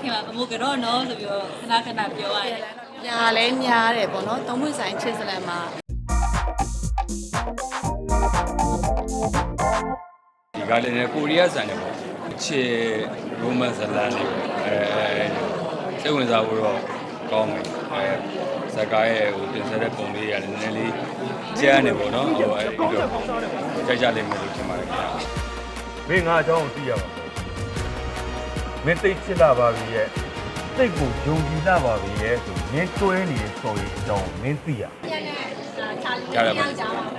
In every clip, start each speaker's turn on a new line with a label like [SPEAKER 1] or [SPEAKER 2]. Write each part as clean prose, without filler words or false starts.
[SPEAKER 1] ခင်မှာမမိုးကတော့နော်ဆိုပြီးတော့ခဏခဏပြောရတယ်
[SPEAKER 2] ညာလဲများတယ်ပေါ့နော်သုံးပွင့်ဆိုင်ချစ်စလန်မှာ
[SPEAKER 3] ဒီကလည်းကိုရီးယားဆန်တယ်ပေါ့အခြေ romance ဇာတ်လမ်းလေးစိတ်ဝင်စားဖို့တော့ကောင်းတယ်ဇာတ်ကားရဲ့ဟိုတင်ဆက်တဲ့ပုံလေးရတယ်နည်းနည်းလေးကျန်းနေပေါ့နော်ဟိုအဲ့ဒီတော့ကြိုက်ကြလိမ့်မယ်လို့ထင်ပါတယ်ခင်ဗျာ
[SPEAKER 4] မင်းငါအကြောင်းကိုသိရပါမယ်မင်းသိချစ်လာပါပြီရဲ့စိတ်ကိုယုံကြည်လာပါပြီရဲ့ဆိုမင်းတွဲနေတဲ့ story အကြောင်းမင်းသိရ
[SPEAKER 3] ကြားရပါ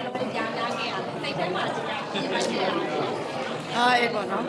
[SPEAKER 2] အေးပေါ့နော်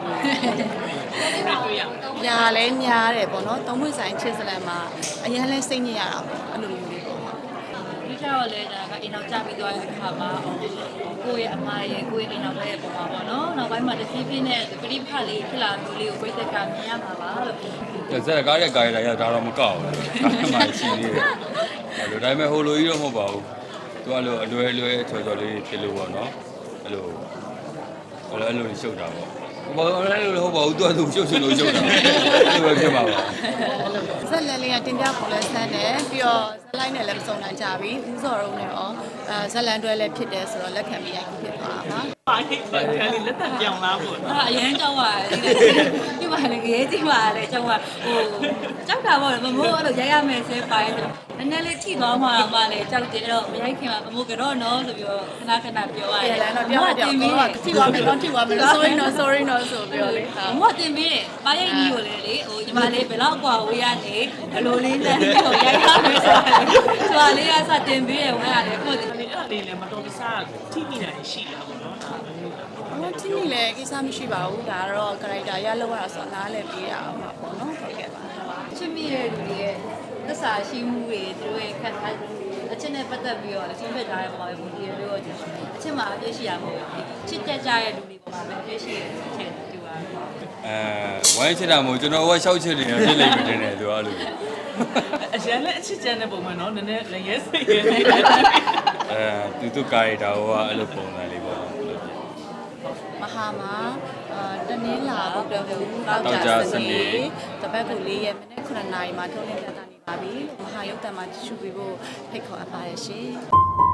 [SPEAKER 2] ညာလဲများတယ်ပေါ့နော်သုံးပွင့်ဆိုင်ချစ်စလန်မှာအရင်လဲစိတ်ညစ်ရတာပေါ့အဲ့လိုမျိုးလေးပေါ့
[SPEAKER 1] ဒီကြောက်လဲဒါကအိမ်အောင်ကြပြီးသွားတဲ့ခါမှာကိုယ့်ရဲ့အမရဲ့ကိုယ့်ရဲ့အိမ်အောင်ရဲ့ပုံပါပေါ့နော်နောက်ပိုင်းမှာတဖြည်းဖြည်းနဲ့ပြိပခလေးဖြစ်လာမျိုးလေးကိုပြိသက်ကမြင်ရမှာပါလို့
[SPEAKER 3] ဇာတ်ကားရဲ့ကာရီတာရဒါတော့မကောက်ဘူးဒါမှရှိသေးတယ်အဲ့လိုဒါပေမဲ့ဟိုလိုကြီးတော့မဟုတ်ပါဘူးသူကလိုအလွယ်လွယ်ချော်ချော်လေးဖြစ်လို့ပေါ့နော်အဲ့လိုရှုပ်တာပေါ့ဘာလို့လဲလို့ဟုတ်ပါဘူးသူကသူရှုပ်လို့ရှုပ်တာအဲ့လိုပဲဖြစ်မှာပါ
[SPEAKER 2] ဇက်လန်လေးကတင်ပြပေါ်လဲဆန်းတယ်ပြီးတော့ဇက်လိုက်နဲ့လည်းမစုံနိုင်ကြပြီဦးစော်ရုံးနဲ့ရောဇက်လန်တွဲလည်းဖြစ်တယ်ဆိုတော့လက်ခံပြီးရိုက်ဖြစ်သွားတာပါ
[SPEAKER 5] ပါခဲ့တယ်လေလက်တံပြောင်းလာပေါ့နော်
[SPEAKER 1] အရင်ကြောက်ရတယ်ဒီမှာလည်းရေးကြည့်ပါလေကြောက်ဟိုကြောက်တာပေါ့မမိုးအဲ့လိုရိုက်ရမယ်ဆဲပိုင်းဆိုနည်းနည်းလေးထိသွားမှလည်းကြောက်တယ်တော့မရိုက်ခင်မှာမမိုးကတော့နော်ဆိုပြီးတော့ခဏခဏပြောရတယ်
[SPEAKER 2] ပြောရတယ်ထိသွားမယ်တော့ထိသွားမယ် sorry no ဆိုပြီးတော့လေ
[SPEAKER 1] မမိုးတင်ပြီးတယ်ပါရိုက်ကြီးကိုလေဟိုညီမလေးဘယ်တော့กว่าဝေးရနေဘလိုလေးနဲ့ဟိုရိုက်ရမယ်ဆိုတာလေးကစတင်ပြီးတယ်ဝင်ရတယ်ကိုယ်ဒီ
[SPEAKER 5] အဲ့ဒါလေးလည်းမတော်တဆထိမိတာရှိတာပေါ့နော်
[SPEAKER 2] ထိမိလေကိစ္စမရှိပါဘူးဒါကတော့ character ရလောက်ရတာဆိုတော့နားလည်းပြီးရအောင်ပါပေါ့နော်ဟုတ်ကဲ့ပါ
[SPEAKER 1] ချစ်မိတဲ့လူတွေရဲ့သစ္စာရှိမှုတွေသူတို့ရဲ့ခက်ထားအချက်နဲ့ပတ်သက်ပြီးတော့အချင်းဖြစ်ထားတဲ့ပုံမှာပဲပုံဒီလိုအချက်မှာအပြည့်ရှိရမှာချစ်ကြတဲ့လူတွေပုံမှာပဲအပြည့်ရှိရတဲ့အချက်တူပါ
[SPEAKER 3] ဝိုင်းချစ်တာမဟုတ်ကျွန်တော်ကရှောက်ချစ်နေတယ်ဖြစ်လိမ့်မယ်တင်တယ်သူကလို့
[SPEAKER 5] အရင်လည်းအချစ်ကျန်တဲ့ပုံမှာနော်နည်းနည်းလည်းရဲစိတ်ရဲနေတယ်
[SPEAKER 3] သူကာရီတာဟိုကအဲ့လိုပုံစံလေးပေါ့
[SPEAKER 2] မဟာမှာတနင်္လာဘုရားတောက်ကြစနေတပတ်ကို4ရက်မိနစ်9နာရီမှာထုတ်လင်းပြသနေပါပြီမဟာရုပ်တံမှာကြည့်ရှုပေးဖို့ဖိတ်ခေါ်အပ်ပါတယ်ရှင်